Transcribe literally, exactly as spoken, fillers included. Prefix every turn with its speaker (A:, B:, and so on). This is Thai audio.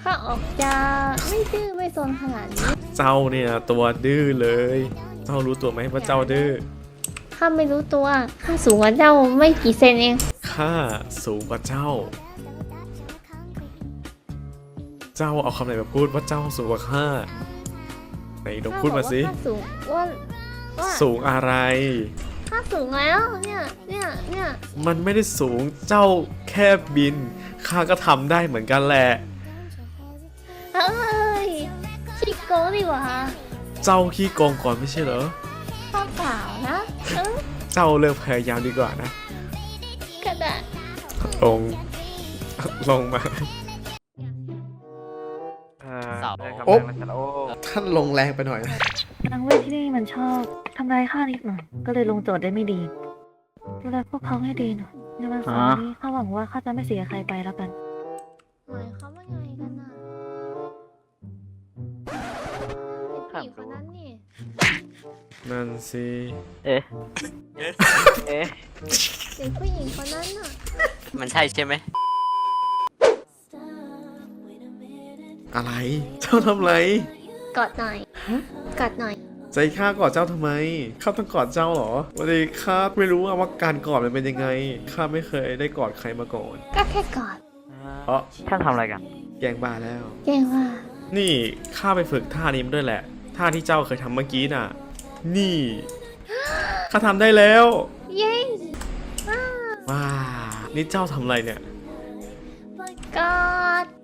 A: ข้าออกจะไม่ดื้อไม่ซนขนาดนี้
B: เจ้าเนี่ยตัวดื้อเลยเจ้ารู้ตัวไหมว่าเจ้าดื้อ
A: ข้าไม่รู้ตัวข้าสูงกว่าเจ้าไม่กี่เซนเอง
B: ข้าสูงกว่าเจ้า เจ้าเอาคำไหนมาพูดว่าเจ้าสูงกว่าข้าไหนลองพูดมาสิ
A: ข้าสูงว่าว่า
B: สูงอะไร
A: ข้าสูงแล้วเนี่ยเนี่ยเนี่ย
B: มันไม่ได้สูงเจ้าแค่บินข้าก็ทำได้เหมือนกันแหละ
A: เอ้ยชิโก้ดีกว่า
B: เจ้าขี้โกงก่อนไม่ใช่เหรอ
A: ข้าเปล่านะเออ
B: เจ้าเลิกพยายามดีกว่านะ
A: กระดาษ
B: ลงลงมา
C: เสา
B: โอ๊บท่านลงแรงไปหน่อยนะ
D: นางเวทที่นี่มันชอบทำร้ายข้านิดหน่อยก็เลยลงโจทย์ได้ไม่ดีดูแลพวกเขาให้ดีหน่อยในวันเสาร์นี้ข้าหวังว่าข้าจะไม่เสียใครไปแล้วกัน
A: หมายความว่าไงกันน่ะเป็นผู้หญิงคนนั้นนี่
B: นั่นสิ
C: เอ๊ะ เอ๊ะ
A: เด็กผู้หญิงคนนั้นน่ะ
C: มันใช่ใช่ไหม
B: อะไรเจ้าทำไร
A: กอดหน่อยกอดหน่อย
B: ใจข้ากอดเจ้าทำไมข้าต้องกอดเจ้าเหรอวันนี้ข้าไม่รู้ว่าการกอดมันเป็นยังไงข้าไม่เคยได้กอดใครมาก่อน
A: ก็แค่กอด
B: เพราะ
C: ท่านทำอะไรกัน
B: แกงบาแล้ว
A: เก่งว่า
B: นี่ข้าไปฝึกท่านี้มาด้วยแหละท่าที่เจ้าเคยทำเมื่อกี้น่ะ นี่ข้าทำได้แล้ว
A: เย้ว้า
B: ว้านี่เจ้าทำอะไรเนี่ย
A: กอด